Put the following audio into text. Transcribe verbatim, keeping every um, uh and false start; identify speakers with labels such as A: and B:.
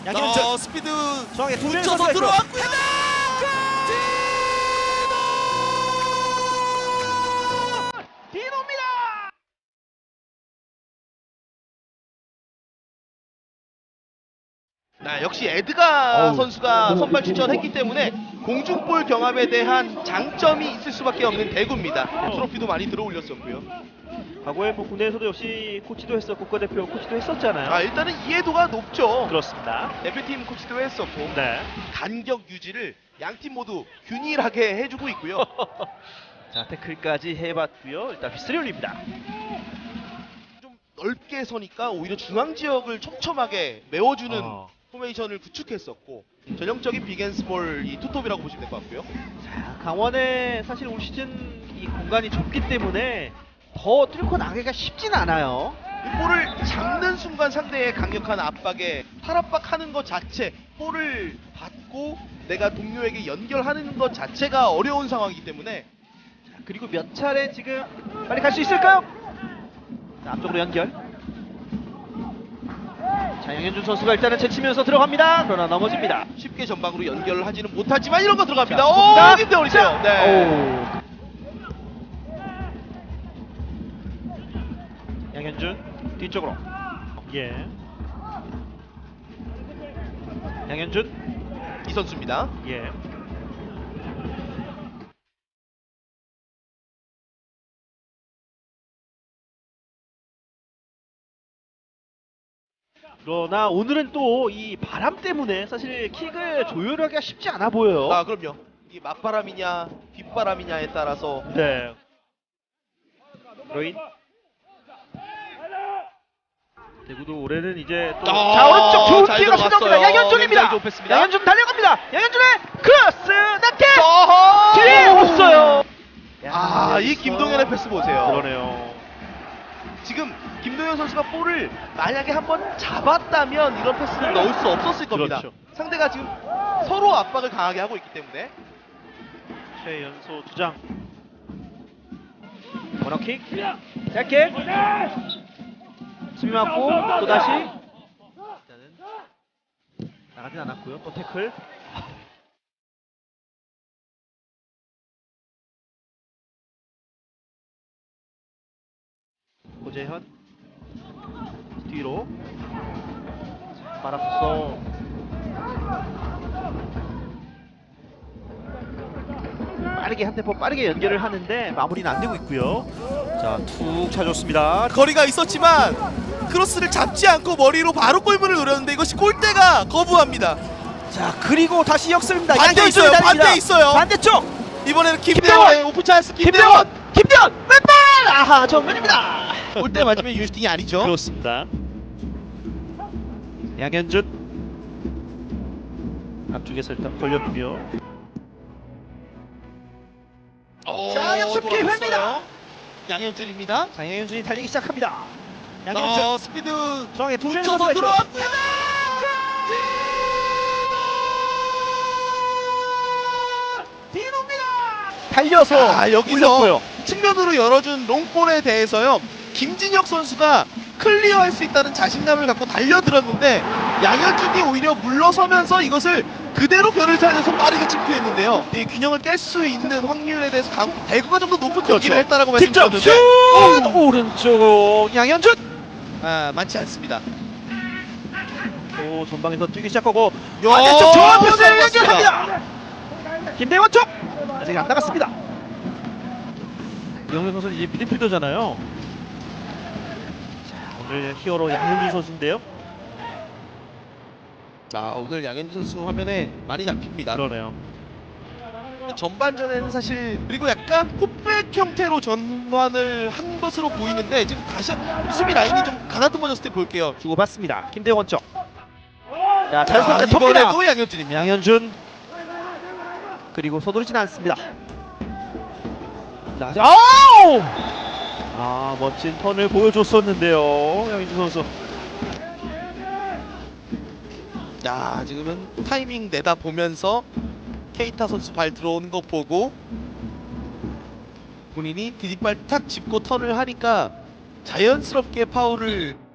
A: 양현준
B: 어, 스피드
A: 중앙에 두 명이
B: 붙여서
A: 선수가
B: 들어왔고요.
A: 디노입니다.
B: 나 역시 에드가
A: 어우.
B: 선수가 선발 출전했기 때문에 공중볼 경합에 대한 장점이 있을 수밖에 없는 대구입니다. 트로피도 많이 들어올렸었고요.
A: 과거에 뭐 국내에서도 역시 코치도 했었고 국가대표 코치도 했었잖아요.
B: 아, 일단은 이해도가 높죠.
A: 그렇습니다.
B: 대표팀 코치도 했었고
A: 네.
B: 간격 유지를 양 팀 모두 균일하게 해주고 있고요.
A: 자, 태클까지 해봤고요. 일단 휘슬이 올립니다.
B: 좀 넓게 서니까 오히려 중앙 지역을 촘촘하게 메워주는
A: 어.
B: 포메이션을 구축했었고 전형적인 빅앤스몰 이 투톱이라고 보시면 될 것 같고요.
A: 자, 강원의 사실 올 시즌 이 공간이 좁기 때문에 더 뚫고 나가기가 쉽진 않아요.
B: 이 볼을 잡는 순간 상대의 강력한 압박에 팔압박하는 것 자체, 볼을 받고 내가 동료에게 연결하는 것 자체가 어려운 상황이기 때문에
A: 자, 그리고 몇 차례 지금 빨리 갈 수 있을까요? 자, 앞쪽으로 연결. 자, 양현준 선수가 일단은 제치면서 들어갑니다. 그러나 넘어집니다.
B: 쉽게 전방으로 연결을 하지는 못하지만 이런 거 들어갑니다.
A: 자,
B: 오,
A: 좋습니다.
B: 김대원 있어요. 네.
A: 오. 양현준 뒤쪽으로. 예. 양현준.
B: 이 선수입니다.
A: 예. 그러나 오늘은 또 이 바람 때문에 사실 킥을 조율하기가 쉽지 않아 보여요.
B: 아, 그럼요. 이게 맞바람이냐 빗바람이냐에 따라서
A: 네. 로인. 대구도 올해는 이제 또
B: 아,
A: 자, 오른쪽 좋은
B: 잘
A: 기회가
B: 들어갔어요.
A: 찾아옵니다. 양현준입니다.
B: 굉장히 좁혔습니다.
A: 양현준 달려갑니다. 양현준의 크로스 낙태.
B: 어허!
A: 뒤에 없어요.
B: 아, 이 김동현의 패스 보세요.
A: 그러네요.
B: 지금 김동현 선수가 볼을 만약에 한번 잡았다면 이런 패스를 넣을 수 없었을 겁니다.
A: 그렇죠.
B: 상대가 지금 서로 압박을 강하게 하고 있기 때문에.
A: 최연소 주장. 코너킥. 짧게. 수비 맞고 또 다시. 일단은 나가진 않았고요. 또 태클. 고재현 뒤로 말았어. 빠르게 한 템포 빠르게 연결을 하는데 마무리는 안 되고 있고요. 자, 툭 차줬습니다.
B: 거리가 있었지만 크로스를 잡지 않고 머리로 바로 골문을 노렸는데 이것이 골대가 거부합니다.
A: 자, 그리고 다시 역습입니다.
B: 반대
A: 양현준이
B: 있어요.
A: 달립니다.
B: 반대 있어요.
A: 반대쪽
B: 이번에는
A: 김대원!
B: 김대원의 오픈 찬스.
A: 김대원!
B: 김대원!
A: 김대원! 왼발! 아하, 정면입니다.
B: 골대 맞으면 유슈팅이 아니죠.
A: 그렇습니다. 양현준 앞쪽에서 일단 걸렸고요.
B: 오,
A: 자, 역습
B: 돌아섰어요.
A: 기회입니다.
B: 양현준입니다.
A: 자, 양현준이 달리기 시작합니다. 양현준
B: 어, 스피드
A: 중앙에 두 명이
B: 붙여서
A: 선수가 있죠.
B: 들어왔고요.
A: 디노입니다. 달려서
B: 아, 여기서
A: 올렸고요.
B: 측면으로 열어준 롱볼에 대해서요, 김진혁 선수가 클리어할 수 있다는 자신감을 갖고 달려들었는데 양현준이 오히려 물러서면서 이것을 그대로 변을 찾아서 빠르게 침투했는데요. 이 균형을 깰 수 있는 확률에 대해서 강, 대구가 좀 더 높은 경기를 했다라고
A: 직접
B: 말씀드렸는데
A: 슛! 오른쪽 양현준.
B: 아, 많지 않습니다.
A: 또 전방에서 뛰기 시작하고
B: 야,
A: 반대쪽 좋은 패스를
B: 잘
A: 연결합니다. 김대원 쪽 아직 안 나갔습니다. 이영현 선수는 이제 미드필더잖아요. 자, 오늘 히어로 양현준 선수인데요.
B: 아, 오늘 양현준 선수 화면에 많이 잡힙니다.
A: 그러네요.
B: 전반전에는 사실 그리고 약간 풋백 형태로 전환을 한 것으로 보이는데 지금 다시 수비 라인이 좀 가다듬어졌을 때 볼게요.
A: 주고받습니다. 김대원 쪽. 자,
B: 아,
A: 자연스럽게 텁니다.
B: 이번에도 양현준입니다.
A: 양현준 그리고 서두르진 않습니다. 자, 아우! 아, 멋진 턴을 보여줬었는데요, 양현준 선수.
B: 야, 지금은 타이밍 내다 보면서 케이타 선수 발 들어오는 거 보고 본인이 디딤발 탁 짚고 턴을 하니까 자연스럽게 파울을